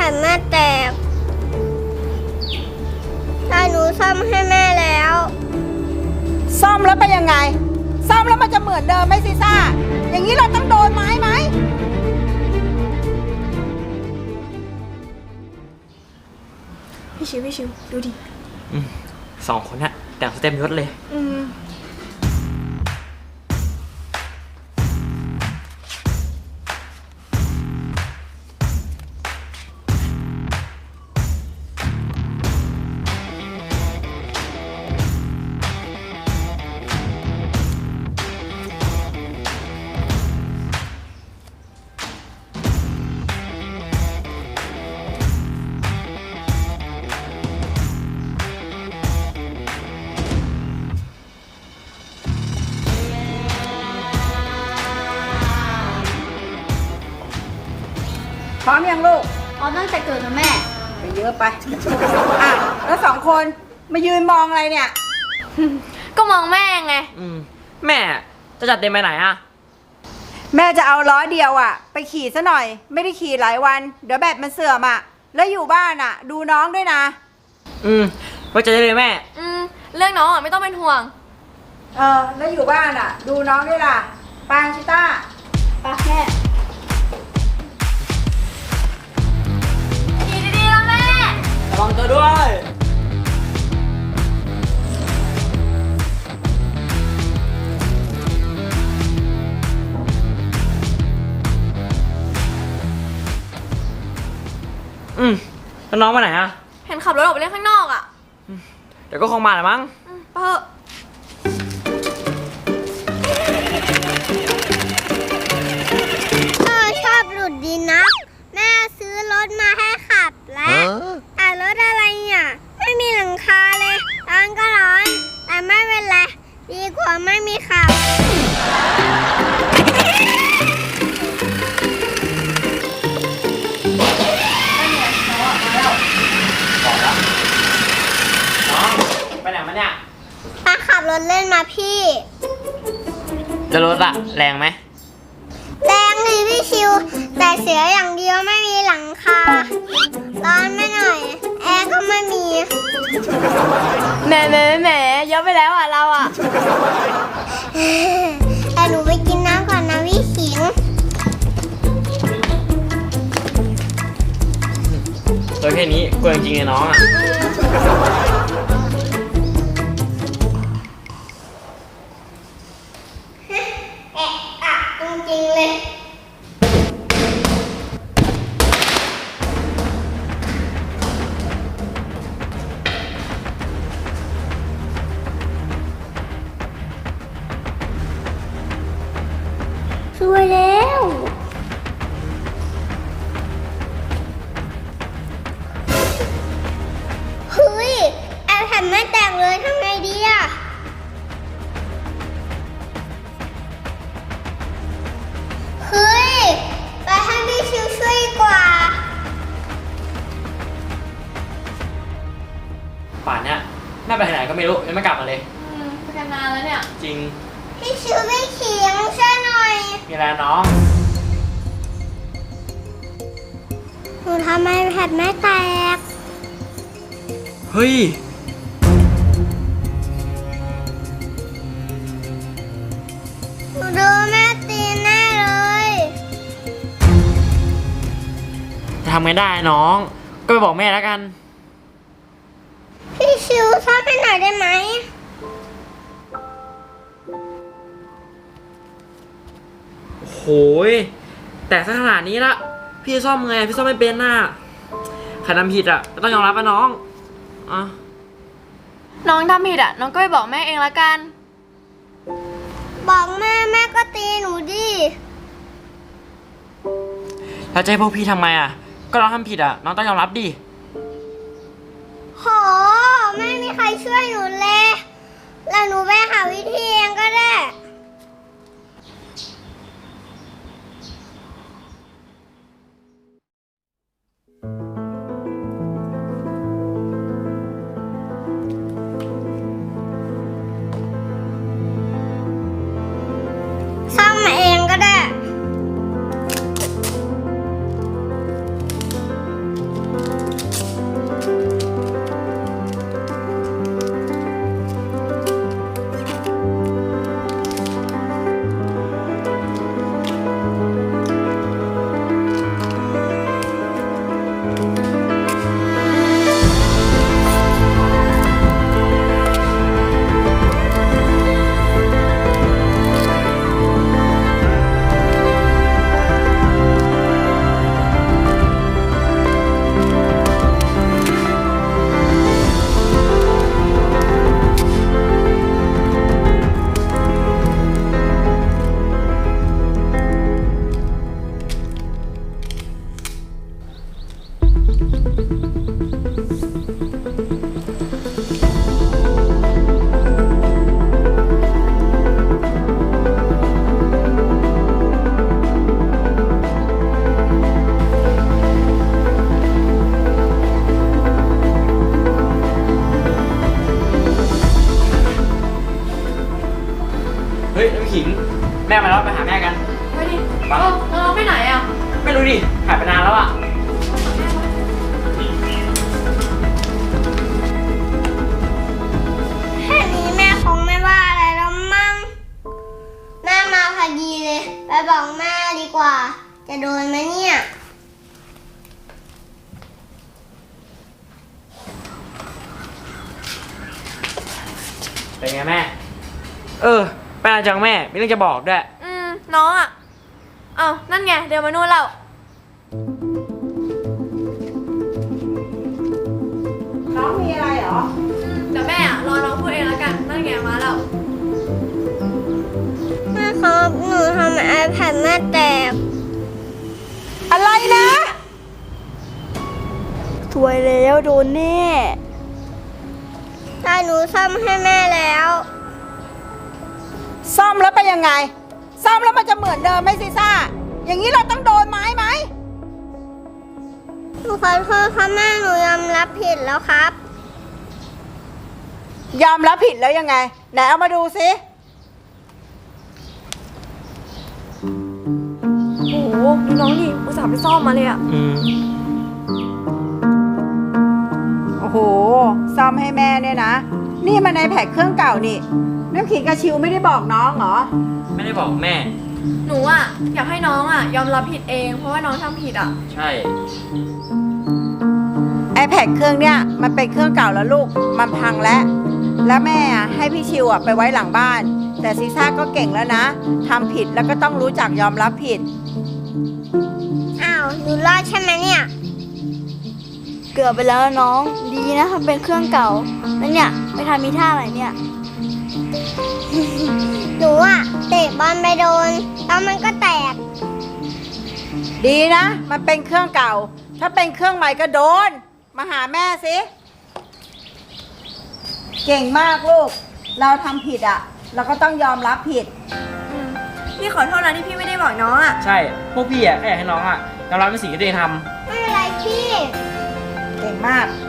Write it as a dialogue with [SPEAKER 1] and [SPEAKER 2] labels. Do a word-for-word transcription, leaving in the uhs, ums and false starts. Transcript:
[SPEAKER 1] ผ่นแม่แตกแต่หนูซ่อมให้แม่แล้ว
[SPEAKER 2] ซ่อมแล้วเป็นยังไงซ่อมแล้วมันจะเหมือนเดิมไหมซีซ่าอย่างนี้เราต้องโดนไม้ไหม
[SPEAKER 3] พี่ชิวพี่ชิวดูดิ
[SPEAKER 4] อืมสองคนน่ะแต่งสเต็มยศเลย
[SPEAKER 3] อืม
[SPEAKER 2] พร้อมยังลูก
[SPEAKER 1] พร้อมตั้งแต่เกิดนะแม่
[SPEAKER 2] ไปเยอะไปอ่ะแล้วสองคนมายืนมองอะไรเนี่ย
[SPEAKER 1] ก็มองแม่ไง
[SPEAKER 4] อืมแม่จะจัดเต็มไปไหนอ่ะ
[SPEAKER 2] แม่จะเอาล้อเดียวอ่ะ ไปขี่ซะหน่อย ไม่ได้ขี่หลายวัน เดี๋ยวแบตมันเสื่อมอ่ะ แล้วอยู่บ้านอ่ะ ดูน้องด้วยนะ
[SPEAKER 4] อืมไว้ใจได้เลยแม่
[SPEAKER 3] อืมเรื่องน้องอ่ะไม่ต้องเป็นห่วง
[SPEAKER 2] เออแล้วอยู่บ้านอ่ะ ดูน้องด้วยล่ะปางชิต้า
[SPEAKER 1] ปะแม่
[SPEAKER 3] ดีดีๆนะแม่
[SPEAKER 4] ระวังตัวด้วยอืมแล้วน้องไปไหนอ่ะ
[SPEAKER 3] เห็นขับรถออกไปเล่นข้างนอกอ่ะ
[SPEAKER 4] เดี๋ยวก็คงมาแหละมั้ง
[SPEAKER 3] อืมไปเถอะ
[SPEAKER 1] พ่อชอบหลุดดีนะ แม่ซื้อรถมาให้ขับแล้วแต่รถอะไรเนี่ยไม่มีหลังคาเลยร้อนก็ร้อน แต่ไม่เป็นไรดีกว่าไม่มีขับ
[SPEAKER 4] น้องไปไหนมาเนี่ย
[SPEAKER 1] ป้าขับรถเล่นมาพี่
[SPEAKER 4] จะรถอะแรงไหม
[SPEAKER 1] แรงดีพี่ชิว แต่เสียอย่างเดียวไม่มีหลังคา ร้อนไม่หน่อย แอร์ก็ไม่มี
[SPEAKER 3] แหมแหมแหมเยอะไปแล้วอ่ะเราอ่ะ
[SPEAKER 1] แต่หนูไปกินน้ำก่อนนะพี่ขิง
[SPEAKER 4] ตัวแค่นี้กลัวจริงๆเลยน้องอะ
[SPEAKER 1] แอะอะจริงๆเลย ช่วยแล้วเฮ้ยแอร์แผ่นไม่แตกเลยทำไงดีอะเฮ้ย ไปให้พี่ชิวช่วยดีกว่า
[SPEAKER 4] ป่านเนี้ยแม่ไปไหนก็ไม่รู้ยังไม่กลับมาเลย
[SPEAKER 3] อืมไปกันนานแล้วเนี่ย
[SPEAKER 4] จริง
[SPEAKER 1] พี่ชิวพี่ขิงช่วยหน่อย
[SPEAKER 4] มีอะไรน้อง
[SPEAKER 1] หนูทำไมแผ่นไม่แตก
[SPEAKER 4] เฮ้ย
[SPEAKER 1] หนูโดนแม่ตีแน่เลย
[SPEAKER 4] จะทำไงได้น้อง ก็ไปบอกแม่แล้วกัน
[SPEAKER 1] พี่ชิวช่วยไปหน่อยได้ไหม
[SPEAKER 4] โหยแต่ถ้าขนาดนี้ละพี่ซ่อมไงพี่ซ่อมไม่เป็นน่ะใครทำผิดอ่ะก็ต้องยอมรับป่ะน้องอ่ะ
[SPEAKER 3] น้องทำผิดอ่ะ น้องก็ไปบอกแม่เองละกัน
[SPEAKER 1] บอกแม่แม่ก็ตีหนูดิ
[SPEAKER 4] แล้วจะให้พวกพี่ทำไมอ่ะก็น้องทำผิดอ่ะน้องต้องยอมรับดิ
[SPEAKER 1] โหไม่มีใครช่วยหนูเลย แล้วหนูไปหาวิธีเองก็ได้ซ่อมมาเองก็ได้
[SPEAKER 4] ฮ้ยน้ำขิงแม่มาแล้วไปหาแม่กัน
[SPEAKER 3] ไปดิเออน้องไปไหนอ่ะ
[SPEAKER 4] ไม่รู้ดิหายไปนานแล้วอ่ะ
[SPEAKER 1] แค่นี้แม่คงไม่ว่าอะไรแล้วมั้งแม่มาพอดีเลยไปบอกแม่ดีกว่า จะโดนไหมเนี่ย
[SPEAKER 4] เป็นไงแม่ เออไปนานจังแม่มีเรื่องจะบอกด้วย
[SPEAKER 3] อืมน้องอ่ะเอ้านั่นไงเดินมานู่นแล้ว
[SPEAKER 2] น้องมีอะไรเหรอ
[SPEAKER 3] เดี๋ยวแม่อ่ะรอน้องพูดเองแล้วกันนั่นไงมาแล้ว
[SPEAKER 1] แม่ครับหนูทำไอแพดแม่แตก
[SPEAKER 2] อะไรนะ
[SPEAKER 3] สวยแล้วโดนแน่
[SPEAKER 1] แต่หนูซ่อมให้แม่แล้ว
[SPEAKER 2] ซ่อมแล้วเป็นยังไง ซ่อมแล้วมันจะเหมือนเดิมไหมซิซ่า อย่างนี้เราต้องโดนไม้ไหม
[SPEAKER 1] หนูขอโทษครับแม่หนูยอมรับผิดแล้วครับ
[SPEAKER 2] ยอมรับผิดแล้วยังไง ไหนเอามาดูสิ
[SPEAKER 3] โอ้โหดูน้องดิอุตส่าห์ไปซ่อมมาเลยอ่ะ
[SPEAKER 4] อืม
[SPEAKER 2] โอ้โห ซ่อมให้แม่เนี่ยนะ นี่มันในแพ็คเครื่องเก่านี่ น้ำขิงกับชิวไม่ได้บอกน้องเหรอ
[SPEAKER 4] ไม่ได้บอกแม่
[SPEAKER 3] หนูอ่ะอยากให้น้องอ่ะยอมรับผิดเองเพราะว่าน้องทำผิดอ่ะ
[SPEAKER 4] ใช่
[SPEAKER 2] ไอแพดเครื่องเนี่ยมันเป็นเครื่องเก่าแล้วลูก มันพังแล้ว แล้วแม่อะให้พี่ชิวอะไปไว้หลังบ้าน แต่ซีซ่าก็เก่งแล้วนะทำผิดแล้วก็ต้องรู้จักยอมรับผิด
[SPEAKER 1] อ้าวหนูรอดใช่ไหมเนี่ย
[SPEAKER 5] เกือบไปแล้วน้องดีนะทำเป็นเครื่องเก่าแล้วเนี่ยไปทำมีท่าอะไรเนี่ย
[SPEAKER 1] หนูอะเตะบอลไปโดน แล้วมันก็แตก
[SPEAKER 2] ดีนะ มันเป็นเครื่องเก่า ถ้าเป็นเครื่องใหม่ก็โดน มาหาแม่สิ เก่งมากลูก เราทำผิดอะเราก็ต้องยอมรับผิด
[SPEAKER 3] อืมพี่ขอโทษนะที่พี่ไม่ได้บอกน้องอ่ะ
[SPEAKER 4] ใช่พวกพี่อ่ะแค่อยากให้น้องอ่ะยอมรับในสิ่งที่ตัวเองท
[SPEAKER 1] ไม่เป็นไรพี่
[SPEAKER 2] เก่งมาก
[SPEAKER 4] ำ